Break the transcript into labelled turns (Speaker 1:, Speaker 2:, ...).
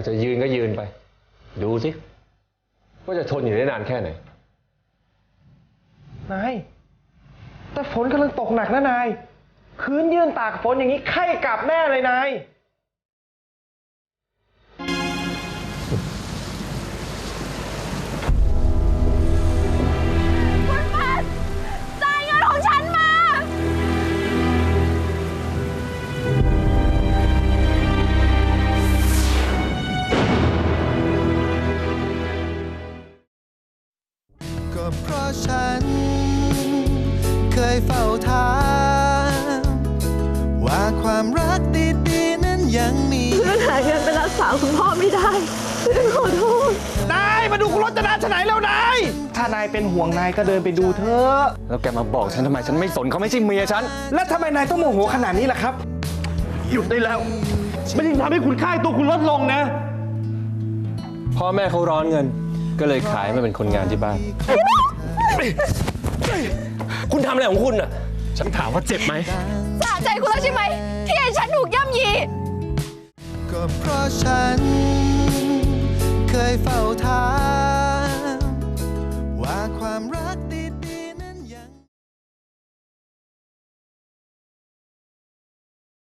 Speaker 1: ากจะยืนก็ยืนไปดูสิว่าจะทนอยู่ได้นานแค่ไหน
Speaker 2: นายแต่ฝนกำลังตกหนักนะนายคืนยืนตากฝนอย่างนี้ไข้กลับแน่เลยนาย
Speaker 3: คุณพัดจ่ายเงินของฉันมา
Speaker 4: ก็เพราะฉันเคยเฝ้าถามว่าความรักดีๆนั้นยังมี
Speaker 3: เพื่อนหาเงินไปรักษาคุณพ่อไม่ได้เพื่อนขอโทษ
Speaker 2: นายมาดูคุณรจนาฉไหนแล้วนายถ้านายเป็นห่วงนายก็เดินไปดูเถอะ
Speaker 1: แล้วแกมาบอกฉันทำไมฉันไม่สนเขาไม่ใช่เมียฉัน
Speaker 2: แล้วทำไมนายต้องโมโหขนาดนี้ล่ะครับหยุดได้แล้วไม่ได้ทำให้คุณค่าตัวคุณลดลงนะ
Speaker 1: พ่อแม่เขาร้อนเงินก็เลยขายมาเป็นคนงานที่บ้านคุณทำอะไรของคุณอ่ะฉันถามว่าเจ็บไหม
Speaker 3: สะใจคุณแล้วใช่ไหมที่ให้ฉันถูกย่ำยี
Speaker 4: ก็เพราะฉัน